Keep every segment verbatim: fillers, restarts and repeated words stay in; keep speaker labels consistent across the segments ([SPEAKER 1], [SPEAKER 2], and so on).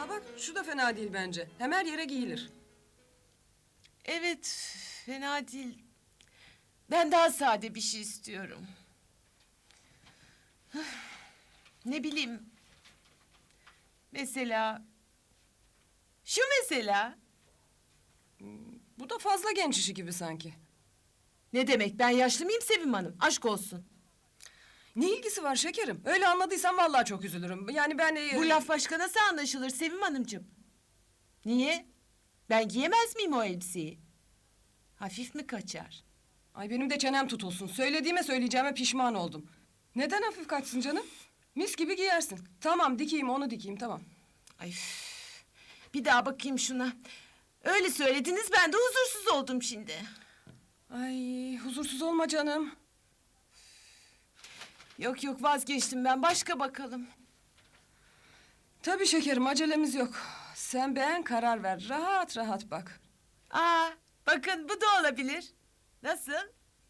[SPEAKER 1] Aa bak şu da fena değil bence. Hem her yere giyilir.
[SPEAKER 2] Evet, fena değil. Ben daha sade bir şey istiyorum. Hıh, Ne bileyim. Mesela... Şu mesela.
[SPEAKER 1] Bu da fazla genç işi gibi sanki.
[SPEAKER 2] Ne demek, ben yaşlı mıyım Sevim Hanım? Aşk olsun.
[SPEAKER 1] Ne ilgisi var şekerim? Öyle anladıysan vallahi çok üzülürüm. Yani ben... e,
[SPEAKER 2] Bu laf başka nasıl anlaşılır Sevim Hanımcığım? Niye? Ben giyemez miyim o elbiseyi? Hafif mi kaçar?
[SPEAKER 1] Ay benim de çenem tutulsun. Söylediğime söyleyeceğime pişman oldum. Neden hafif kaçsın canım? Mis gibi giyersin. Tamam dikeyim onu dikeyim tamam.
[SPEAKER 2] Ay, üf. Bir daha bakayım şuna. Öyle söylediniz, ben de huzursuz oldum şimdi.
[SPEAKER 1] Ay huzursuz olma canım.
[SPEAKER 2] Yok yok, vazgeçtim ben, başka bakalım.
[SPEAKER 1] Tabii şekerim acelemiz yok. Sen beğen karar ver. Rahat rahat bak.
[SPEAKER 2] Aa, bakın bu da olabilir. Nasıl?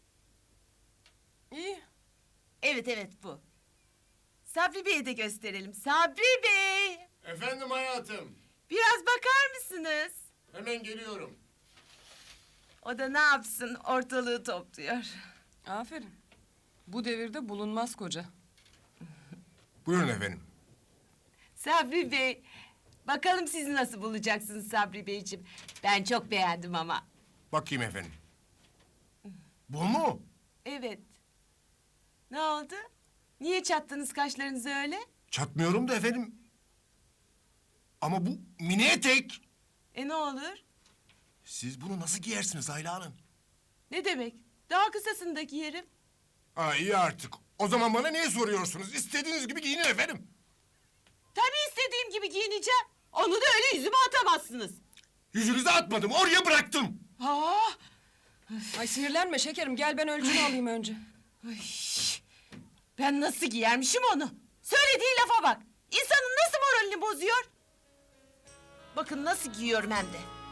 [SPEAKER 1] İyi.
[SPEAKER 2] Evet evet, bu. Sabri Bey'e de gösterelim. Sabri Bey!
[SPEAKER 3] Efendim hayatım.
[SPEAKER 2] Biraz bakar mısınız?
[SPEAKER 3] Hemen geliyorum.
[SPEAKER 2] O da ne yapsın, ortalığı topluyor.
[SPEAKER 1] Aferin. Bu devirde bulunmaz koca.
[SPEAKER 3] Buyurun efendim.
[SPEAKER 2] Sabri Bey, bakalım siz nasıl bulacaksınız Sabri Beyciğim. Ben çok beğendim ama.
[SPEAKER 3] Bakayım efendim. Bu mu?
[SPEAKER 2] Evet. Ne oldu? Niye çattınız kaşlarınızı öyle?
[SPEAKER 3] Çatmıyorum da efendim. Ama bu mini etek.
[SPEAKER 2] E ne olur?
[SPEAKER 3] Siz bunu nasıl giyersiniz Ayla Hanım?
[SPEAKER 2] Ne demek? Daha kısasını da giyerim.
[SPEAKER 3] Ha iyi artık. O zaman bana niye soruyorsunuz? İstediğiniz gibi giyinin efendim.
[SPEAKER 2] Tabii istediğim gibi giyineceğim. Onu da öyle yüzüme atamazsınız.
[SPEAKER 3] Yüzünüze atmadım, oraya bıraktım.
[SPEAKER 2] Ha!
[SPEAKER 1] Ay sinirlenme şekerim. Gel ben ölçünü alayım önce.
[SPEAKER 2] Ay, ben nasıl giyermişim onu? Söylediği lafa bak. İnsanın nasıl moralini bozuyor? Bakın nasıl giyiyorum hem de.